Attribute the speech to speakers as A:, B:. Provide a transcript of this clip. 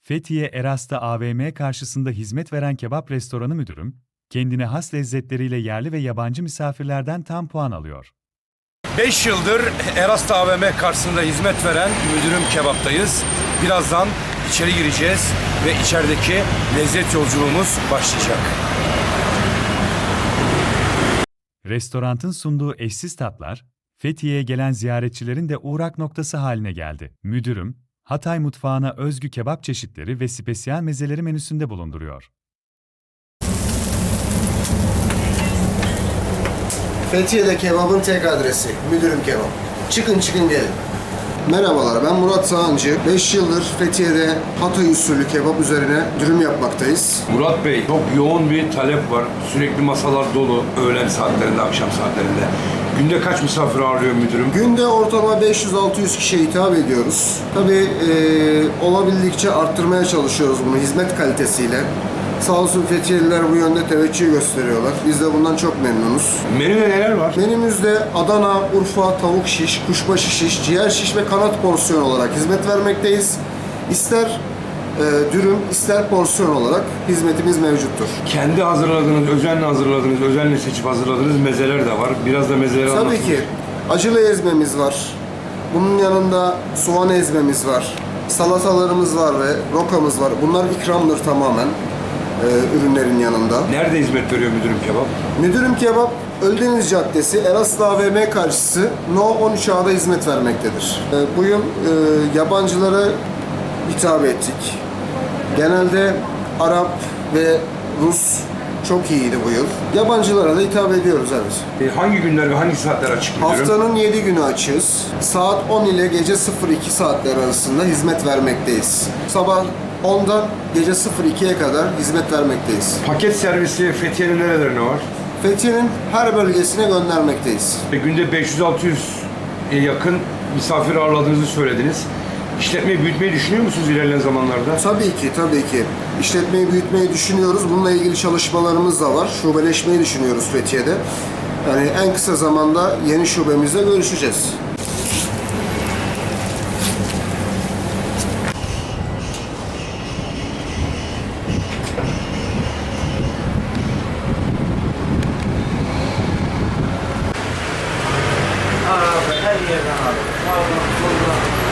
A: Fethiye Eras'ta AVM karşısında hizmet veren kebap restoranı müdürüm, kendine has lezzetleriyle yerli ve yabancı misafirlerden tam puan alıyor.
B: 5 yıldır Eras'ta AVM karşısında hizmet veren müdürüm kebaptayız. Birazdan içeri gireceğiz ve içerideki lezzet yolculuğumuz başlayacak.
A: Restoranın sunduğu eşsiz tatlar, Fethiye'ye gelen ziyaretçilerin de uğrak noktası haline geldi. Müdürüm, Hatay mutfağına özgü kebap çeşitleri ve spesiyel mezeleri menüsünde bulunduruyor.
C: Fethiye'de kebabın tek adresi, Müdürüm Kebap. Çıkın gelin. Merhabalar, ben Murat Sağancı. 5 yıldır Fethiye'de Hatay usulü kebap üzerine dürüm yapmaktayız.
B: Murat Bey, çok yoğun bir talep var. Sürekli masalar dolu öğlen saatlerinde, akşam saatlerinde. Günde kaç misafir ağırlıyor müdürüm?
C: Günde ortalama 500-600 kişiye hitap ediyoruz. Tabii olabildikçe arttırmaya çalışıyoruz bunu hizmet kalitesiyle. Sağ olsun Fethiyeliler bu yönde teveccüh gösteriyorlar. Biz de bundan çok memnunuz.
B: Menüde neler var?
C: Menümüzde Adana, Urfa, tavuk şiş, kuşbaşı şiş, ciğer şiş ve kanat porsiyon olarak hizmet vermekteyiz. İster dürüm, ister porsiyon olarak hizmetimiz mevcuttur.
B: Kendi hazırladığınız, özenle hazırladığınız, özenle seçip hazırladığınız mezeler de var. Biraz da mezeleri
C: Tabii
B: anlatın.
C: ki acılı ezmemiz var. Bunun yanında soğan ezmemiz var. Salatalarımız var ve rokamız var. Bunlar ikramdır tamamen ürünlerin yanında.
B: Nerede hizmet veriyor müdürüm kebap?
C: Müdürüm Kebap, Ölüdeniz Caddesi, Eraslı AVM karşısı No 13A'da hizmet vermektedir. Bu yıl yabancılara hitap ettik. Genelde Arap ve Rus çok iyiydi bu yıl. Yabancılara da hitap ediyoruz, evet.
B: Hangi günler ve hangi saatler açık müdürüm?
C: Haftanın 7 günü açığız. Saat 10 ile gece 02 saatler arasında hizmet vermekteyiz. Sabah 10'dan gece 02'ye kadar hizmet vermekteyiz.
B: Paket servisi Fethiye'nin nerelerine var?
C: Fethiye'nin her bölgesine göndermekteyiz.
B: Günde 500-600'e yakın misafir ağırladığınızı söylediniz. İşletmeyi büyütmeyi düşünüyor musunuz ilerleyen zamanlarda?
C: Tabii ki. İşletmeyi büyütmeyi düşünüyoruz. Bununla ilgili çalışmalarımız da var. Şubeleşmeyi düşünüyoruz Fethiye'de. Yani en kısa zamanda yeni şubemizle görüşeceğiz.
D: Abi her yerden abi. Sağdan soldan.